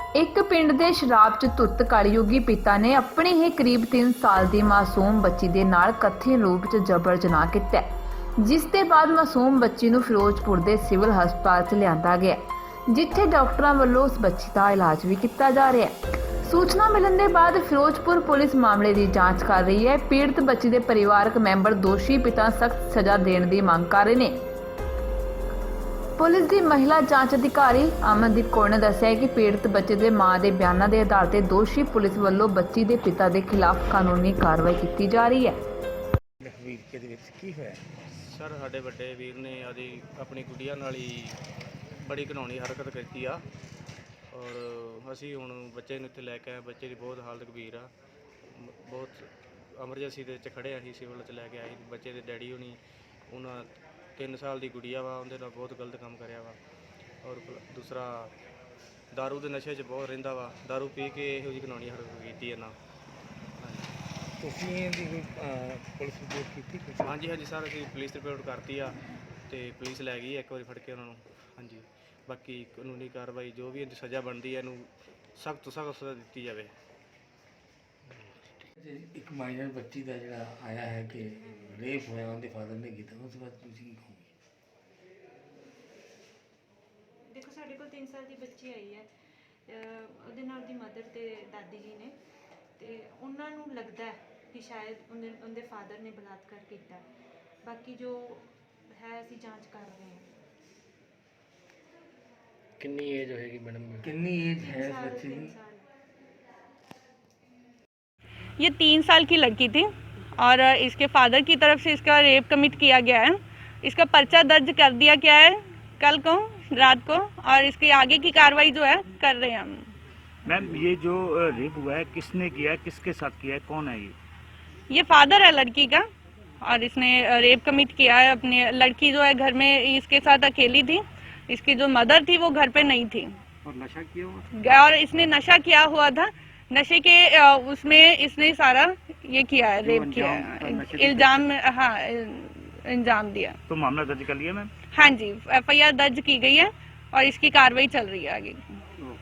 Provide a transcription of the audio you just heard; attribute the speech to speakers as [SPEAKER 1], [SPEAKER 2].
[SPEAKER 1] ਇੱਕ ਪਿੰਡ ਦੇ ਸ਼ਰਾਬ 'ਚ ਧੁੱਤ ਕਲਯੁਗੀ ਪਿਤਾ ਨੇ ਆਪਣੀ ਹੀ ਕਰੀਬ 3 ਸਾਲ ਦੀ ਮਾਸੂਮ ਬੱਚੀ ਦੇ ਨਾਲ ਕਥਿਤ ਰੂਪ 'ਚ ਜਬਰ ਜਨਾਹ ਕੀਤਾ, ਜਿਸ ਦੇ ਬਾਅਦ ਮਾਸੂਮ ਬੱਚੀ ਨੂੰ ਫਿਰੋਜ਼ਪੁਰ ਦੇ ਸਿਵਲ ਹਸਪਤਾਲ 'ਚ ਲਿਆਂਦਾ ਗਿਆ, ਜਿੱਥੇ ਡਾਕਟਰਾਂ ਵੱਲੋਂ ਉਸ ਬੱਚੀ ਦਾ ਇਲਾਜ ਵੀ ਕੀਤਾ ਜਾ ਰਿਹਾ ਹੈ। सूचना मिलने के बाद फिरोजपुर पुलिस मामले की जांच कर रही है। पीड़ित बच्ची के परिवारक मैंबर दोषी पिता सख्त सजा देने की मांग कर रहे हैं। पुलिस की महिला जांच अधिकारी अमनदीप कौर ने दस्सिया कि पीड़ित बच्चे के मां के बयानों के आधार पर दोषी पुलिस वालों बच्ची के पिता के खिलाफ कानूनी कार्रवाई की जा रही है।
[SPEAKER 2] सर साडे वड्डे वीर ने आदि अपनी गुड़िया नाल ही बड़ी घिनौनी हरकत की आ और असी हुण बच्चे नूं इत्थे लैके आए। बच्चे की बहुत हालत गंभीर आ, बहुत एमरजेंसी दे विच खड़े असीं सिविल च लैके आए। बच्चे दे डैडी होनी उन्हां 3 साल की गुड़िया वा, उहदे नाल बहुत गलत काम करिया वा और दूसरा दारू के नशे च बहुत रहिंदा वा, दारू पी के इहो जी घिनौनी हरकत कीती इन्हां।
[SPEAKER 3] पुलिस रिपोर्ट की?
[SPEAKER 2] हाँ जी सर असीं पुलिस रिपोर्ट करती आ ते पुलिस लै गई एक बार फड़ के उन्होंने। हाँ जी बाकी कानूनी कार्रवाई जो भी सज़ा बनती है सख्त तो सख्त सज़ा दी जाए।
[SPEAKER 3] एक माइनर बच्ची का जो आया है कि रेप होया उनके फादर ने किया, उस बात तुम की कहोगे?
[SPEAKER 4] देखो साढ़े को 3 साल की बच्ची आई है, ਉਹਦੇ ਨਾਲ ਦੀ ਮਦਰ ਤੇ ਦਾਦੀ ਜੀ ਨੇ ਤੇ ਉਹਨਾਂ ਨੂੰ ਲੱਗਦਾ ਹੈ ਕਿ ਸ਼ਾਇਦ ਉਹਦੇ ਫਾਦਰ ਨੇ ਬਲਾਤਕਾਰ ਕੀਤਾ। ਬਾਕੀ ਜੋ ਹੈ ਅਸੀਂ ਜਾਂਚ ਕਰ ਰਹੇ ਹਾਂ।
[SPEAKER 3] कितनी एज होगी मैडम? कितनी एज है इस बच्ची की?
[SPEAKER 5] ये 3 साल की लड़की थी और इसके फादर की तरफ से इसका रेप कमिट किया गया है। इसका पर्चा दर्ज कर दिया गया है कल को रात को और इसकी आगे की कार्रवाई जो है कर रहे हैं हम।
[SPEAKER 6] मैम ये जो रेप हुआ है किसने किया है, किसके साथ किया है, कौन है
[SPEAKER 5] ये फादर है लड़की का और इसने रेप कमिट किया है। अपनी लड़की जो है घर में इसके साथ अकेली थी, इसकी जो मदर थी वो घर पे नहीं थी
[SPEAKER 6] और नशा किया हुआ
[SPEAKER 5] और इसने नशा किया हुआ था। नशे के उसमें इसने सारा ये किया है, रेप किया है, इल्जाम, हाँ इल्जाम दिया।
[SPEAKER 6] तो मामला दर्ज कर लिया मैम?
[SPEAKER 5] हाँ जी FIR दर्ज की गई है और इसकी कार्रवाई चल रही है आगे।